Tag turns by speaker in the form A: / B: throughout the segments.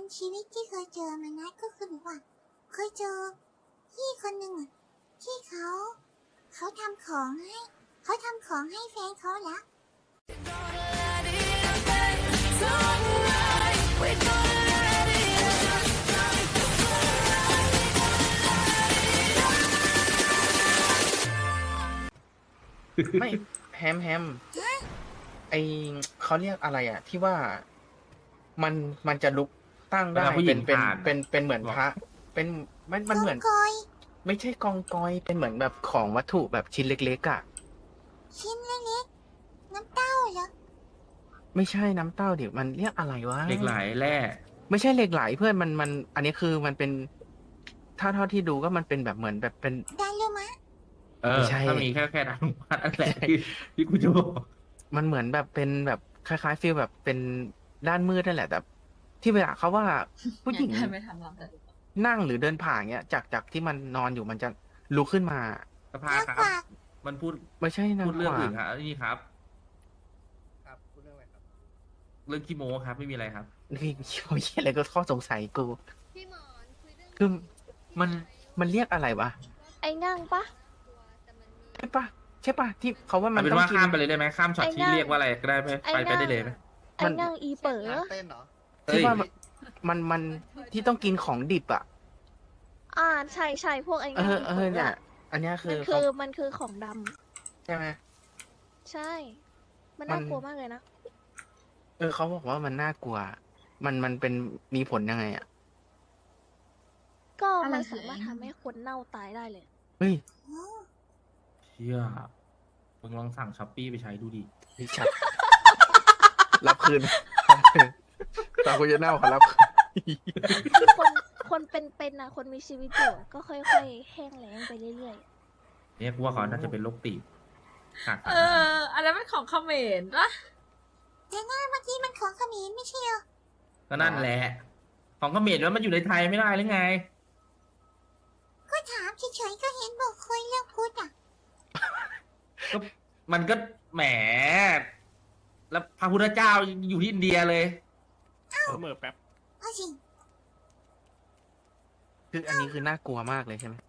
A: ชีวิตที่เคยเจอมานะก็คือแบบว่าเคยเจอพี่คนหนึ่งอ่ะที่เขาทำของให้เขาทำของให้แฟนเขาละ
B: ไม่แฮมไอเขาเรียกอะไรอ่ะ ที่ว่ามันจะลุกตั้งได้
C: ผู้หญิง
B: เป็นเหมือนพระ เป็นมันเหมือน
A: กอย
B: ไม่ใช่กองกอยเป็นเหมือนแบบของวัตถุแบบชิ้นเล็กๆอ่ะ
A: ชิ้นเล็กๆน้ำเต้าเหรอ
B: ไม่ใช่น้ำเต้าเดี๋ยวมันเรียกอะไรวะ
C: เหล็กไหลแร่
B: ไม่ใช่เหล็กไหลเพื่อนมันอันนี้คือมันเป็นถ้าเท่าที่ดูก็มันเป็นแบบเหมือนแบบเป็น
A: ดารุมะ
B: ไม่ใช่
C: ถ้ามีแค่ดังมานั่นแหละที่กูจะบอก
B: มันเหมือนแบบเป็นแบบคล้ายๆฟีลแบบเป็นด้านมืดนั่นแหละแต่ที่เวลาเขาว่าผู้หญิง
D: ไม่ทำหรอกแต่
B: นั่งหรือเดินผ่านเงี้ยจากที่มันนอนอยู่มันจะลุกขึ้นมา
C: สภาครับ
A: กวาก
C: มันพูด
B: ไม่ใช่นาง
C: พูดเรื่อง
B: กวา
C: อื่
B: ง
C: นครับนี่ครับ
B: ครับพูดเรื่องอะไรครับ
C: เรื่องขี้โม้ครับไม่มีอะไรครับ
B: นี่เขาเหี้ยอะไรก็ข้อสงสัยกู
E: พี่หมอนคุยเรื่อง
B: คือมันเรียกอะไรวะ
E: ไอ้งั่งปะ
B: ใช่ปะใช่ปะที่เขาว่ามั
C: มัน นเป็น
B: ต้อง
C: ว่า
B: กิน
C: ข้ามไปเลยได้ไหมข้ามช็อต
E: ไอ้
C: ที่
E: นั่ง
C: เรียกว่าอะไรก็ได้ไหม
E: ไอ้
C: ไป
E: นั่ง
C: ได้เลยไหม
E: ไอ้งั่งอีเป๋อ
B: ที่ว่า
C: เอ้ย
B: มันที่ต้องกินของดิบอ่ะ
E: ใช่ใช่พวกไอ้
B: เอ
E: งั่ง
B: อ
E: อีเป๋อ
B: เนี่ย
E: อะ
B: อันเนี้ยคื
E: มั
B: อน
E: คื
B: เขา
E: อมันคือของดำ
B: ใช่ไหม
E: ใช่ มันน่ากลัวมากเลยนะ
B: เขาบอกว่ามันน่ากลัว มันเป็นมีผลยังไงอ่ะ
E: ก็มันสามารถทำให้คนเน่าตายได้เลย
B: เฮ้ย
C: เชี่ยมึงลองสั่งช้อปปี้ไปใช้ดูดิ
B: นี่ชัด รับคืนตาคุณจะเน่าขอรับคืน
E: คือคนเป็นๆนะคนมีชีวิตอยู่อะก็ค่อยๆแห้งแล้งไปเรื่อย
C: เนี่ยกูว่าเขาน่าจะเป็นโรคตีบขาดสาร
D: อันนั้นเป็นของเขมรปะ
A: แต่หน้าเมื่อกี้มันของเขมรไม่ใช่เหรอ
C: ก็นั่นแหละ ของเขมรแล้วมันอยู่ในไทยไม่ได้หรือไง
A: ก็ถามเฉยๆก็เห็นบอกคุยเรื่องพุทธอ่ะ
C: ก็มันก็แหม แล้วพระพุทธเจ้าอยู่ที่อินเดียเลย
B: เมื่อแป๊บ
A: เอาสิ
B: คืออันนี้คือน่ากลัวมากเลยใช่ไหม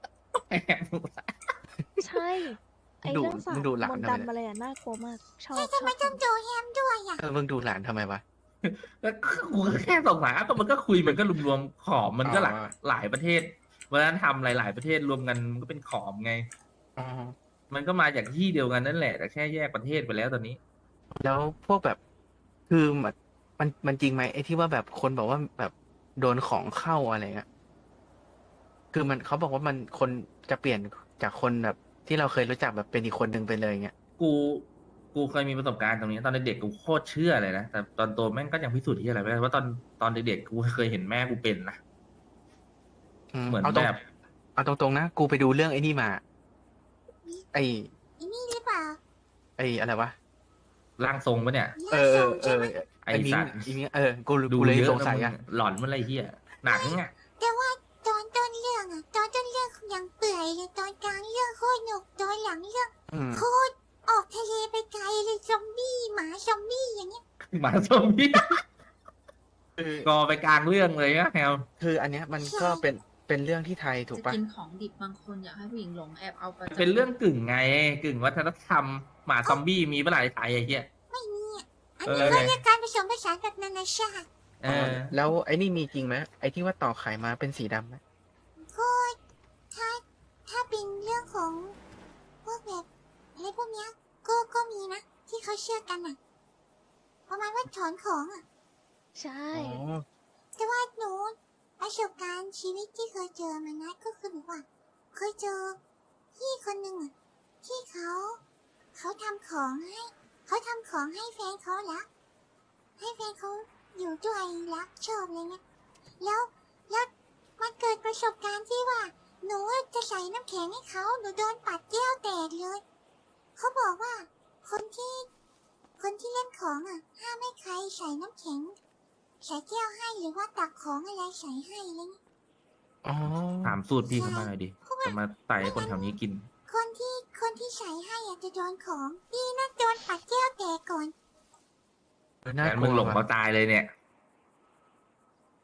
E: ๆ ใช่ ไอ้
B: ดู
E: เรื่องสา
B: มึ
E: บ
B: งดูหลาน
E: มนต์
B: ทำไม
E: ดำอะไรอะน่ากลัวมาก ชอบ
A: แต่
E: ช
A: ทำไม
E: อบ
A: ต้องโจแฮมด้วยอ่ะ
B: มึงดูหลานทำไมวะ
C: แล้วกูก็แค่สงสัยก็มันก็คุยมันก็รวมๆขอมมันก็
B: อ๋อ
C: หลายประเทศวัฒนธรรมหลาย ๆประเทศรวมกันมันก็เป็นขอมไง
B: อ๋อ
C: มันก็มาจากที่เดียวกันนั่นแหละแต่แค่แยกประเทศไปแล้วตอนนี้
B: แล้วพวกแบบ คือมันจริงไหมไอ้ที่ว่าแบบคนบอกว่าแบบโดนของเข้าอะไรเงี้ย คือมันเขาบอกว่ามันคนจะเปลี่ยนจากคนแบบ ที่เราเคยรู้จักแบบเป็นอีกคนหนึ่งไปเลยเงี้ย
C: กูเคยมีประสบการณ์ตรงนี้ตอนเด็กๆกูโคตรเชื่อเลยนะแต่ตอนโตแม่งก็ยังพิสูจน์ที่อะไรไม่ได้ว่าตอนเด็กๆกูเคยเห็นแม่กูเป็นนะเหมือน
B: เอาตรง
C: แบบ
B: เอาตรงๆนะ กูไปดูเรื่องไอ้นี่มา ไอ้
A: ไอ้นี่หรือเปล่า
B: ไอ้อะไรวะ
C: ร่างทรงปะเนี่ย
B: เออ
A: ใช่ไหม
C: ไอ้
B: ไอ้มิ้ง
C: สัตว์
B: ไอ้มิ้งกู
C: ดู
B: เลย
C: เยอะ
B: สงสัย
C: นะ
B: อ่ะ
C: มึงหลอนมันอะไรเฮียหนังอ่ะ
A: แต่ว่าตอนต้นเรื่องอ่ะ ตอนต้นเรื่องยังเปื่อยเลยตอนกลางเรื่องโคตรหนุกตอนหลังเรื่อง
B: อืม
A: โคตรออกทะเลไปไกลเลยซอมบี้หมาซอมบี้อย่างเงี้ย
C: หมาซอมบี้
B: คือ
C: กอไปกลางเรื่องเลยนะแฮว
B: คืออันเนี้ยมันก็เป็นเรื่องที่ไทยถูก
D: จะ
B: ปะ
D: กินของดิบบางคนอยากให้ผู้หญิงหลงแอบเอาไป
C: เป็นเรื่องกึ่งไงกึ่งวัฒนธรรมหมาซอมบี้มีเมื่อไหร่ไทยไอ้เหี้ย
A: ไม่มีอ่ะ อัน
C: เอ
A: นี้
C: อ
A: เขาเรียกการผสมผสานแบบนานาชาติ
C: เออ
B: แล้วไอ้นี่มีจริงไหมไอ้ที่ว่าต่อไข่มาเป็นสีดำไหม
A: ก็ถ้าเป็นเรื่องของพวกแบบอะไรพวกเนี้ยก็มีนะ ที่เขาเชื่อกันอ่ะ ประมาณว่าถอนของอ่ะ
E: ใช่
B: อ๋อ
A: แต่ว่าหนูประสบการณ์ชีวิตที่เคยเจอมานะก็คือแบบว่า เคยเจอพี่คนหนึ่งอ่ะที่เขาทำของให้เขาทำของให้แฟนเขารักให้แฟนเขาอยู่ด้วยรักชอบอะไรเงี้ยแล้วมันเกิดประสบการณ์ที่ว่าหนูจะใส่น้ำแข็งให้เขาหนูโดนปัดแก้วแตกเลยเขาบอกว่าคนที่เล่นของอ่ะห้ามให้ใครใส่น้ำแข็ง ใส่แก้วให้หรือว่าตักของอะไรใส่ให้อะไรเงี้ย
B: อ๋อ
C: ถามสูตรพี่เขามาหน่อยดิจะมาไต่ให้คนแถวนี้กิน
A: คนที่ใส่ให้อ่ะจะโดนของดีนะโดนปัดแก้วแตกก่อน
B: น่า
C: งั้น
B: ก
C: มึ
B: ลั
C: ง
B: ว
C: หลง
B: ว่ะ
C: เขาตายเลยเนี่ย
B: อ๋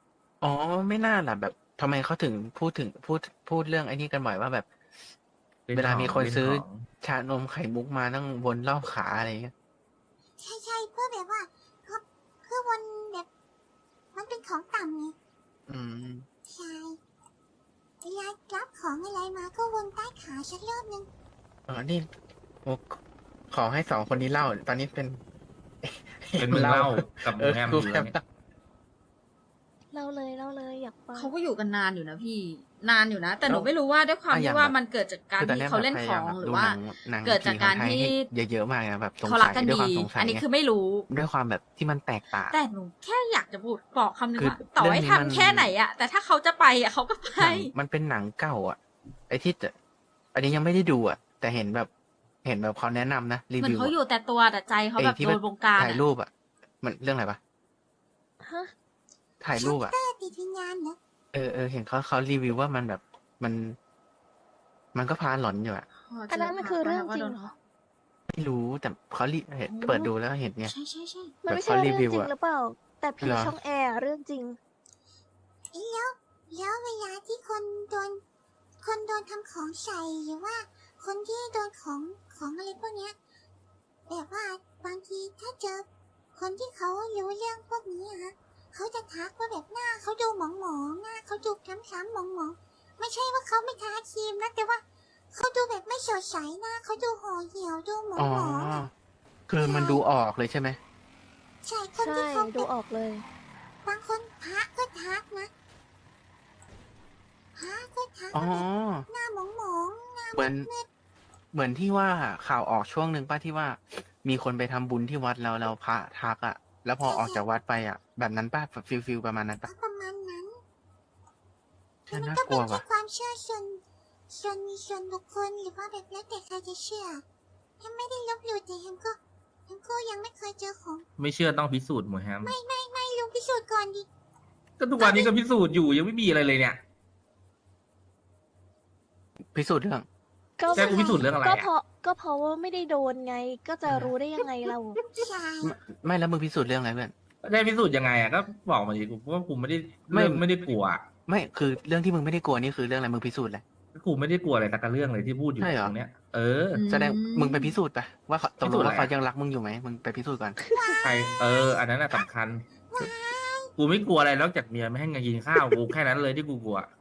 B: อ๋อไม่น่าล่ะแบบทำไมเขาถึงพูดเรื่องไอ้นี่กันบ่อยว่าแบบ
C: เล่น
B: เวลามีคน
C: ของ
B: ซื้อ
C: เล่นของ
B: ชานมไข่มุกมานั่งวนรอบขาอะไรเงี้ย
A: ใช่เพื่อแบบว่าเขาเพื่อวนแบบมันเป็นของต่ำไง
B: อืม
A: ใช่เวลารับของอะไรมาก็วนใต้ขาสักรอบนึง
B: อ๋อนี่โอ้ขอให้สองคนนี้เล่า ตอนนี้เป็น
C: เป็นมึงเล่ากับหมูแฮม
B: กู
C: อยู่
B: แฮ
C: แล้ว
B: ม
C: เนี่ย
E: เล่าเลยอยากฟัง
D: เขาก็อยู่กันนานอยู่นะพี่นานอยู่นะ แต่หนู
B: แล้ว
D: ไม่รู้ว่าด้วยความ
B: อ่ะอย่า
D: ที่
B: ง
D: ว่า
B: แบบ
D: มันเกิดจากการ
B: คือตอน
D: ที่
B: นี้ย
D: เขา
B: แบบ
D: เล่น
B: พ
D: ข
B: ยายา
D: อ
B: ม
D: ง
B: แบบ
D: หรื
B: ดู
D: อว่า
B: หนัง
D: เกิดจาก
B: ผี
D: การ
B: ของไทย
D: ที่
B: ให้เยอะๆมากนะแบบสง
D: เขา
B: สั
D: รัก
B: ย
D: กัน
B: ด้วย
D: ดี
B: ความสงสัย
D: อันนี้
B: ไง
D: คือไม่รู้
B: ด้วยความแบบที่มันแตกต่าง
D: แต่หนูแค่อยากจะพูดบอกคำนึง
B: คือ
D: ว่าต่อให้
B: เรื่องนี้มัน
D: ทำแค่ไหนอะแต่ถ้าเขาจะไปอะเขาก็ไป
B: หนังมันเป็นหนังเก่าอ่ะ ไอ้ที่จะอันนี้ยังไม่ได้ดูอ่ะ แต่เห็นแบบเขาแนะนำนะรี
D: เหมือน
B: วิว
D: เขาอยู่แต่ตัวแต่ใจเขา
B: ไอ้
D: แบบ
B: ที่
D: โดนวงการ
B: ถ่าย
D: อะ
B: รูปอ่ะ มันเรื่องอะไรปะ
E: ฮะ
B: ถ่ายรูปอ่ะ
A: เตอร์ติดวิญญาณเหรอ
B: เห็นเขารีวิวว่ามันแบบมันก็พาหลอนอยู่อ่ะ
E: อันนั้นมันคือเรื่องจริงเหรอ
B: ไม่รู้แต่เขาเห็นเปิดดูแล้วเห็นไง
D: ใช่ใช่ใช่
E: มันไม่
B: แบบ
E: ใช่
B: เขารี
E: เรื่อง
B: วิว
E: จริง
B: อะ
E: หรือเปล่า แต่ผี
B: เหรอ
E: ช่องแอร์เรื่องจริง
A: แล้วเวลาที่คนโดนทำของใส่หรือว่าคนที่โดนของอะไรพวกเนี้ยแบบว่าบางทีถ้าเจอคนที่เขารู้เรื่องพวกนี้อะฮะเขาจะทักว่าแบบหน้าเขาดูหมองๆหน้าเขาดูคล้ำๆหมองๆไม่ใช่ว่าเขาไม่ทาครีมนะแต่ว่าเขาดูแบบไม่สดใสหน้าเขาดูห่อเหี่ยวดูหม
B: อ๋อ
A: องๆอะ
B: คือมันดูออกเลยใช่ไหม
A: ใช่คน
E: ใช่
A: ที่เขา
E: ดูออกเลย
A: บางคนพระก็ทักนะพระก็ทัก
B: อ๋อ
A: ว่าแบบหน้าหมองๆหน้า
B: เหมือนที่ว่าข่าวออกช่วงหนึ่งป้าที่ว่ามีคนไปทำบุญที่วัดแล้วพระทักอ่ะ แล้วพอออกจากวัดไปอ่ะ แบบนั้นป้าฟิลประมาณนั้นป้า
A: ก็ประมาณนั้น
B: ฉัน
A: มัน
B: น่า
A: ก็
B: ก
A: เป็
B: ลั
A: น
B: ว
A: แค่
B: ว่ะ
A: ความเชื่อส่วนบุคคลหรือว่าแบบแล้วแต่ใครจะเชื่อยังไม่ได้ลบหลู่แต่ยังก็ยังไม่เคยเจอของ
C: ไม่เชื่อต้องพิสูจน์หมูแฮม
A: ไม่ลุงพิสูจน์ก่อนดิ
C: ก็ทุกวันนี้ก็พิสูจน์อยู่ยังไม่มีอะไรเลยเนี่ย
B: พิสูจน์เรื่อง
E: ก็
C: แจ้งกูพิสูจน์เรื่องอะไร
E: ก็
C: อะ
E: เพราะว่าไม่ได้โดนไง ก็จะรู้ได้ยังไงเรา
A: ใช่
B: ไม่แล้วมึงพิสูจน์เรื่องอะไรเพื่อน
C: ได้พิสูจน์ยังไงอ่ะก็บอกมาดิกูว่ากูไม่ได้
B: ไม่
C: ไม่ได้กลัวอะ
B: ไม่คือเรื่องที่มึงไม่ได้กลัวนี่คือเรื่องอะไรมึงพิสูจน์แหละ
C: กูไม่ได้กลัวอะไรสักเรื่องเลยที่พูดอยู่
B: ใช่เหรอ
C: ตรงเนี้ย เออ
B: แสดงมึงไปพิสูจน์ไปว่าเขาตกล
C: พิสู
B: ง
C: จน์อะไร
B: ว่าเขายังรักมึงอยู่ไหมมึงไปพิสูจน์ก่อน
C: ใครอันนั้นน่ะสำคัญ กูไม่กลัวอะไรนอกจากเมียไม่ให้เงินกินข้าวกูแค่นั้นเลยที่กูกลัว
A: ว้าย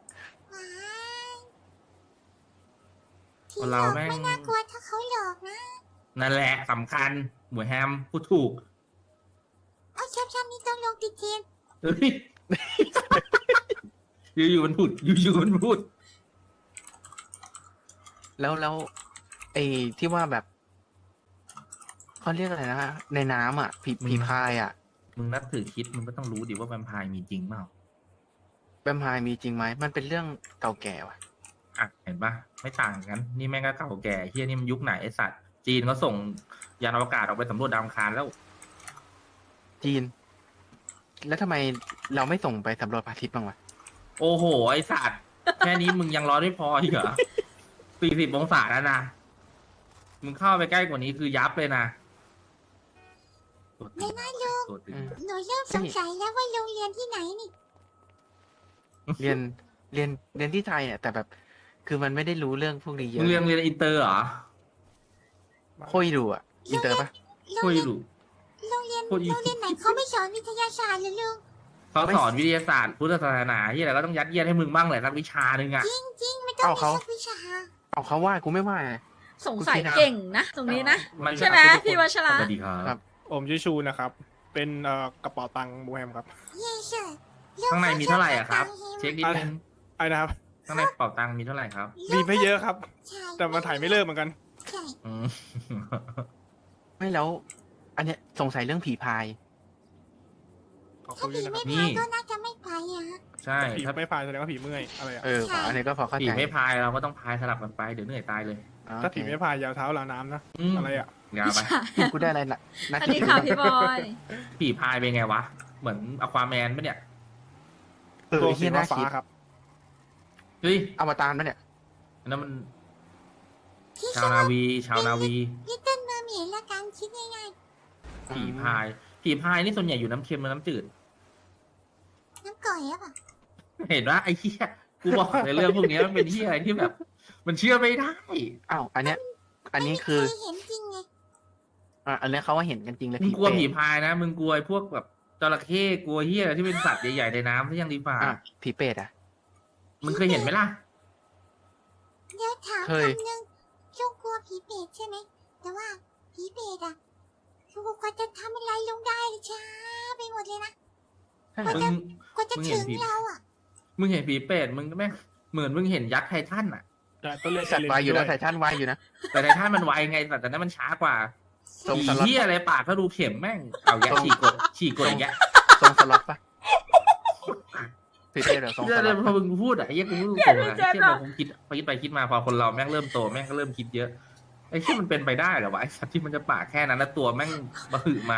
A: ที่
C: คน
A: หล
C: เรา
A: อก
C: แม่ง
A: ไม่น่ากลัวถ้าเขาหลอกนะ
C: นั่นแหละสำคัญหมูแฮมพูดถูก
A: เอาแคปชั่นนี้ต้องลงติดเทรนด์
C: เฮ้ย อยู่ๆมันพูดอยู่ๆมันพูด
B: แล้วไอ้ที่ว่าแบบเขาเรียกอะไรนะในน้ำอ่ะผีพายอ่ะ
C: มึงนับถือคิดมึงก็ต้องรู้ดิว่าแวมไพร์มีจริงเปล่า
B: แวมไพร์มีจริงไหมมันเป็นเรื่องเก่าแก่ว่ะ
C: อ่ะเห็นปะไม่ต่างกัน นี่แม่งก็เก่าแก่เฮียนี่มันยุคไหนไอสัตว์จีนเขาส่งยานอวกาศออกไปสำรวจดาวอังคารแล้ว
B: จีน แล้วทำไมเราไม่ส่งไปสำรวจพระอาทิตย์บ้างวะ
C: โอ้โห ไอสัตว์ แค่นี้มึงยังร้อนไม่พออีกเหรอ 40 องศาแล้วนะ มึงเข้าไปใกล้กว่านี้คือยับเลยนะตัวตึงตัวตึง
A: หนูเริ่มสงสัยแล้วว่าโรงเรียนที่ไหนนี่
B: เรียนเรียนที่ไทยเนี่ยแต่แบบ คือมันไม่ได้รู้เรื่องพวกนี้เย
C: มึ
B: อะ
C: งเรียนอินเตอร์เหรอ
B: โคยดูอ่ะอินเตอร์ปะ
C: คุยดู
A: โรงเรียน
C: โอ้ย
A: ไหนเขาไม่สอนวิทยาศาสตร์เลยลุง
C: เขาสอนวิทยาศาสตร์พุทธศาสนาที่อะไรก็ต้องยัดเยียดให้มึงบ้างแหละสักวิชาหนึ่งอ่ะ
A: จริงไม่ต้องมีสักวิชา
B: เอาเขาว่ากูไม่ว่าไง
D: สงสัยเก่งนะ ตรงนี้นะ
C: มัน
D: ใช่ไหมพี่วัชระ
C: สวัสดีค
B: ครั
C: รับ
B: บ
F: ผมชื่อชูนะครับ เป็นกระเป๋าตังค์บูแฮมครับ
A: เย่เชอร์
C: ข้างในมีเท่าไหร่อ่ะครับ เช็คนิดนึง
F: ไอ้นะครับ
C: ข้างในเป๋าตังค์มีเท่าไหร่ครับ
F: มีไม่เยอะครับ
A: ใช่
F: แต่มันถ่ายไม่เลิกเหมือนกัน
A: ใช่
C: อืม
B: ไม่แล้ว อันเนี้ยสงสัยเรื่องผีพาย
F: ขอบ
A: ถ้า
F: คุณด้
A: ผี
F: วยนะค
A: ไม่
F: รับ
C: นี่
A: พายก็น่าจะไม่ไปอ่ะ
C: ใช่
F: ผี
C: ถ้า
F: ไม่พายแสดงว่าผีเมื่อยอะไรอ่ะ
B: ว่ะอันนี้ก็พอเข้า
C: ผี
B: ใจ
C: ไม่พายเราก็ต้องพายสลับกันไปเดี๋ยวเหนื่อยตายเลย
B: อ๋อ
F: ถ้าผี
B: โอเค
F: ไม่พายยาวเท้าลาน้ำนะ อะไรอ่ะ
C: ยาวไป
B: กูได้อะไรนะนัก
D: อันนี้ค่ะพี่บอย
C: ผีพายเป็นไงวะ เหมือนอควาแมนปะเนี่ย
B: ตัว
F: ตัวสี
B: ที่น่า
F: ฟ้า
B: คิด
F: ๆครับ
C: เฮ้ย
B: อวตารปะเนี่ย
C: อันนั้นมัน
A: ที่
C: ชาวนาวี ชาวนาวี
A: ลิตเติ้ลเมอร์เมดละกันคิดง่าย
C: ผีพาย ผีพายนี่ส่วนใหญ่อยู่น้ำเค็มหรือน้ำจืด
A: ๆน้ำก่อนอยอะป่ะ
C: เห็นว่าไอ้เหี้ยกูบอกในเรื่องพวกนี้มันเป็นที่อะไรที่แบบ มันเชื่อไม่ได้
B: อ้าวอันนี้คือ
A: เคยเห็นจริงไง
B: อันนี้เขาว่าเห็นกันจริงเลย
C: มึงกลัว
B: เปรต
C: ผีพายนะมึงกลัวไอ้พวกแบบจระเข้กลัวเหี้ยอะไรที่เป็นสัตว์ใหญ่ๆในน้ำที่ยังดีฝ่า
B: อ่ะผีเปรตอ่ะ
C: มึงเคยเห็นไหมล่ะ
A: เดี๋ยวถาม
B: เคย
A: คำนึงลุงกลัวผีเปรตใช่ไหมแต่ว่าผีเปรตอะลุงก็จะทำอะไรลงได้ช้าไปหมดเลยนะ
B: ใช่
A: กว่า
B: เหรอ
A: จะ
C: มึง
A: กว่าจะ
C: มึงเห็
A: ถึ
C: น
A: ง
C: ผี
A: เราอะ
C: มึงเห็นผีเปรตมึงก็แม่งเหมือนมึงเห็นยักษ์ไททันอ่ะ
F: แต่ตัวเล็ก
B: สัตว์วายอยู่นะไททันวายอยู่นะ
C: แต่ไททันมันไวไงแต่นั้นมันช้ากว่า
B: ตรง
C: ผี
B: สล็อต
C: เหี้ยอะไรปากก็ดูเข็มแม่งเอาแยะฉีกกดอย่างเงี้ย
B: ทรงสล็อตปะผีเปรตเหรอทรงส
C: เดี๋ยว
B: ล็อต
C: พอ
B: ปะ
C: มึงพูดอะไอ้เหี้ยกูพูดตรงๆนะไอ้เหี้ยพอผมคิดไปคิดมาพอคนเราแม่งเริ่มโตแม่งก็เริ่มคิดเยอะไอ้เหี้ยมันเป็นไปได้เหรอวะไอ้สัตว์ที่มันจะปากแค่นั้นแล้วตัวแม่งบะหือมา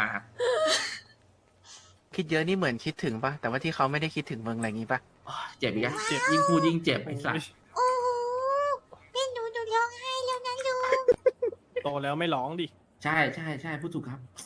B: คิดเยอะนี่เหมือนคิดถึงปะแต่ว่าที่เขาไม่ได้คิดถึงมึงอะไรอย่างงี้ปะ
C: โอ้ยเจ็บอีกแล้วเจ็บยิ่งพูดยิ่งเจ็บไอ้สัตว์
A: โอ้โหเป็นหนูร้องไห้แล้วนะลุง
F: โตแล้วไม่ร้องดิ
C: ใช่ใช่ใช่พูดถูกครับ